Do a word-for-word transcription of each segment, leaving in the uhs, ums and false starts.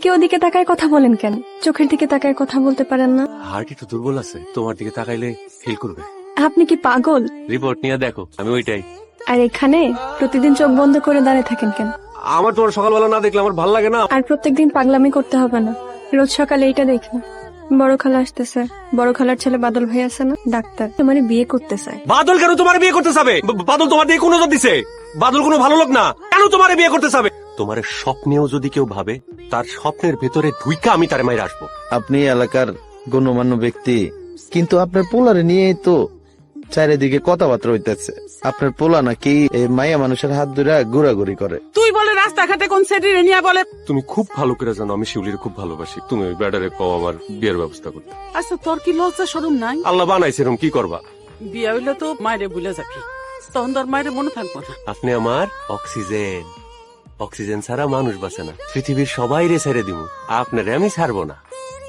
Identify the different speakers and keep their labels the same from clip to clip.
Speaker 1: এদিকে ওদিকে তাকায় কথা বলেন কেন? চোখের দিকে তাকায় কথা বলতে পারেন না?
Speaker 2: হার্ট একটু দুর্বল আছে, তোমার দিকে তাকাইলে ফিল করবে।
Speaker 1: আপনি কি পাগল?
Speaker 2: রিপোর্ট নিয়ে দেখো, আমি ওইটাই।
Speaker 1: আর এখানে প্রতিদিন চোখ বন্ধ করে দাঁড়িয়ে থাকেন কেন?
Speaker 2: আমার তোমার সকালবেলা না দেখলে আমার ভালো লাগে না।
Speaker 1: আর প্রত্যেকদিন পাগলামি করতে হবে না, রোজ সকালে এইটা দেখুন। বড় খালা আসতেছে, বড় খালার ছেলে বাদল ভাই আছে না, ডাক্তার, তোমার বিয়ে করতে চায়।
Speaker 2: বাদল কেন তোমার বিয়ে করতে চাবে? বা- বাদল তোমার দিয়ে কোন নজর দিছে? বাদল কোনো ভালো লোক না, কেন তোমার বিয়ে করতে চাবে? তোমার স্বপ্নেও যদি কেউ ভাবে, তার স্বপ্নের ভেতরে ঢুইকা আমি তার মায়ের আসবো।
Speaker 3: আপনি এলাকার গণ্যমান্য ব্যক্তি, কিন্তু আপনার পোলারে নিয়ে তো চারিদিকে কথাবার্তা হইতেছে। আপনার পোলা নাকি এই মাইয়া মানুষের হাত ধরে ঘোরাঘুরি করে।
Speaker 4: তুই বলে রাস্তাঘাটে কোন সেটি নিয়ে বলে।
Speaker 2: তুমি খুব ভালো করে জানো আমি শিউলির খুব ভালোবাসি। তুমি ওই ব্যাটারে কও আমার বিয়ের ব্যবস্থা করতে।
Speaker 4: আচ্ছা তোর কি লজ্জা শরম নাই?
Speaker 2: আল্লাহ বানাইছে, এরকম কি করবা?
Speaker 4: বিয়ে হইলে তো মায়েরে ভুলে যাবি, তখন তোর মায়ের মনে থাকবো না।
Speaker 2: আপনি আমার অক্সিজেন, অক্সিজেন ছাড়া মানুষ বাঁচে না। পৃথিবীর সবাই রে ছেড়ে দিব, আপনারে আমি ছাড়বো না।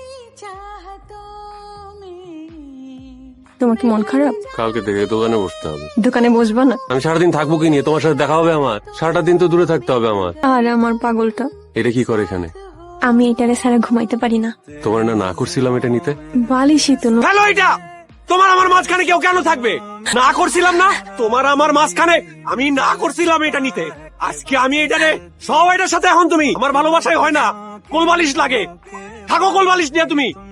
Speaker 1: তোমার কি মন খারাপ?
Speaker 2: কালকে থেকে দোকানে বসতে হবে।
Speaker 1: দোকানে বসবা না?
Speaker 2: আমি সারাদিন থাকবো কি নিয়ে? তোমার সাথে দেখা হবে আমার? সারাটা দিন তো দূরে থাকতে হবে আমার।
Speaker 1: আর আমার পাগলটা,
Speaker 2: এটা কি করে এখানে?
Speaker 1: আমি এটারে ছাড়া ঘুমাইতে পারি না।
Speaker 2: তোমার না না করছিলাম এটা নিতে?
Speaker 1: বালিশই তো ন-
Speaker 2: হ্যালো, এটা তোমার আমার মাঝখানে কেউ কেন থাকবে? না করছিলাম না, তোমার আমার মাঝখানে আমি না করছিলাম এটা নিতে। আজকে আমি এটারে সব এটার সাথে, এখন তুমি আমার ভালোবাসায় হয় না, কোলবালিশ লাগে। থাকো কোলবালিশ নিয়ে তুমি।